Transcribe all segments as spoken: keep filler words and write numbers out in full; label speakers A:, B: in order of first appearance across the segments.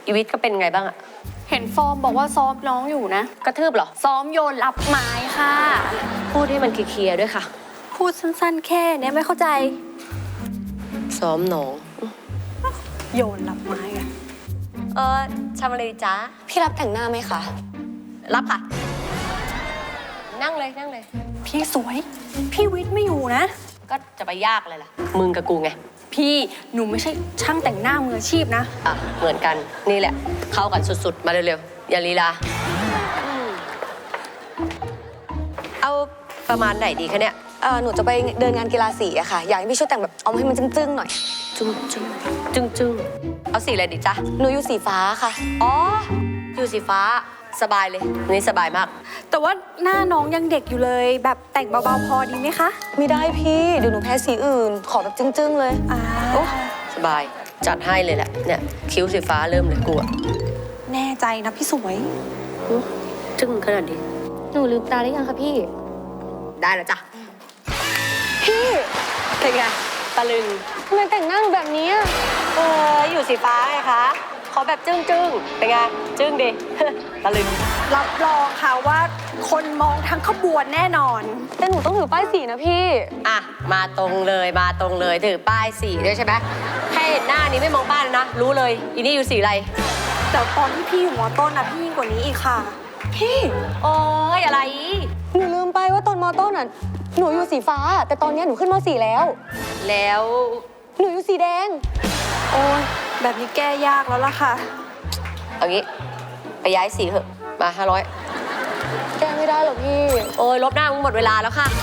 A: อีวิทย์ก็เป็นไงบ้างอะ
B: เห็นฟอร์มบอกว่าซ้อมน้องอยู่นะ
A: กระทืบเหรอ
B: ซ้อมโยนรับไม้ค่ะ
A: พูดให้มันเคลียร์ๆด้วยค่ะ
B: พูดสั้นๆแค่เนี้ยไม่เข้าใจ
A: ซ้อมหนอง
B: โยนรับไม้อะ
A: เออทำอะไรดีจ๊ะ
C: พี่รับแต่งหน้าไหมคะ
A: รับค่ะ นั่งเลยนั่งเลย
B: พี่สวย พี่วิทย์ไม่อยู่นะ
A: ก็จะไปยากเลยล่ะ มึงกับกูไง
B: พี่หนูไม่ใช่ช่างแต่งหน้ามืออาชีพนะ
A: อ่ะ เหมือนกัน นี่แหละ เข้ากันสุดๆ มาเร็วๆ อย่าลีลา เอาประมาณไหนดีคะเนี่ย
C: เออหนูจะไปเดินงานกีฬาสีอะค่ะ อยากให้พี่ช่วยแต่งแบบเอาให้มันจึ้งๆหน่อย
A: จึ้งจึ้งจึ้งจึ้งเอาสีอะไรดีจ๊ะ
C: หนูอยู่สีฟ้าค่ะ
A: อ๋อ อยู่สีฟ้า สบายเลยนี่สบายมาก
B: แต่ว่าหน้าน้องยังเด็กอยู่เลย แบบแต่งเบาๆพอดีไหมคะ
C: ไม่ได้พี่ เดี๋ยวหนูแพ้สีอื่น ขอแบบจึ้งๆเลย
B: อ่า
A: โอ้สบาย จัดให้เลยแหละ เนี่ย คิ้วสีฟ้าเริ่มเลยกูอะ
B: แน่ใจนะพี่สวย
A: อื้อจึ้งขนาดนี้
C: หนูลืมตาได้ยังคะพี่
A: ได้แล้วจ้ะ
C: พี่
A: เป็นไง ตะลึง
C: ทำไมแต่งหน้าหนูแบบนี้อะ
A: เออ อยู่สีฟ้าไงคะ ขอแบบจึ้งจึ้งเป็นไง จึ้งดิ ตะลึง
B: รับรองค่ะว่าคนมองทั้งขบวนแน่นอน
C: แต่หนูต้องถือป้ายสีนะพี่
A: อ่ะ มาตรงเลย มาตรงเลย ถือป้ายสีด้วยใช่ไหมแค่เห็นหน้านี้ไม่มองป้ายเลยนะ รู้เลย อีนี่อยู่สีอะไร
B: แต่ตอนที่พี่อยู่มอต้นนะพี่ยิ่งกว่านี้อีกค่ะ
C: พี่
A: โอ้ยอะไร
C: หนูลืมไปว่าตอนมอต้นอ่ะ หนูอยู่สีฟ้า แต่ตอนนี้หนูขึ้นมสี่แล้ว
A: แล้ว
C: หนูอยู่สีแดง
B: โอ้ยแบบนี้แก้ยากแล้วล่ะค่ะ
A: เอางี้ ไปย้ายสีเถอะ มาห้าร้อย
C: แก้ไม่ได้หรอกพี่
A: โอ้ยลบหน้ามึงหมดเวลาแล้วค่ะ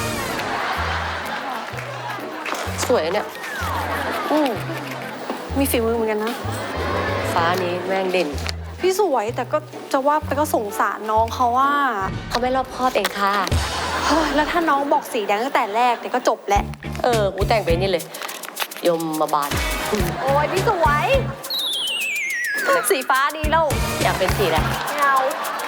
A: สวยเนี่ย
B: อืมมีฝีมือเหมือนกันนะ
A: ฟ้านี้แม่งเด่น
B: พี่สวยแต่ก็จะว่าไปก็สงสารน้องเขาว่า
A: เขาไม่รอบคอบเองค่ะ
B: เฮ้ยแล้วถ้าน้องบอกสีแดงตั้งแต่แรกเนี่ยก็จบแหละ
A: เออ กูแต่งไปนี่เลย ยมมาบาน
B: โอ้ยพี่สวย สีฟ้าดีแล้ว
A: อยากเป็นสีอะไร
B: ไม่เอา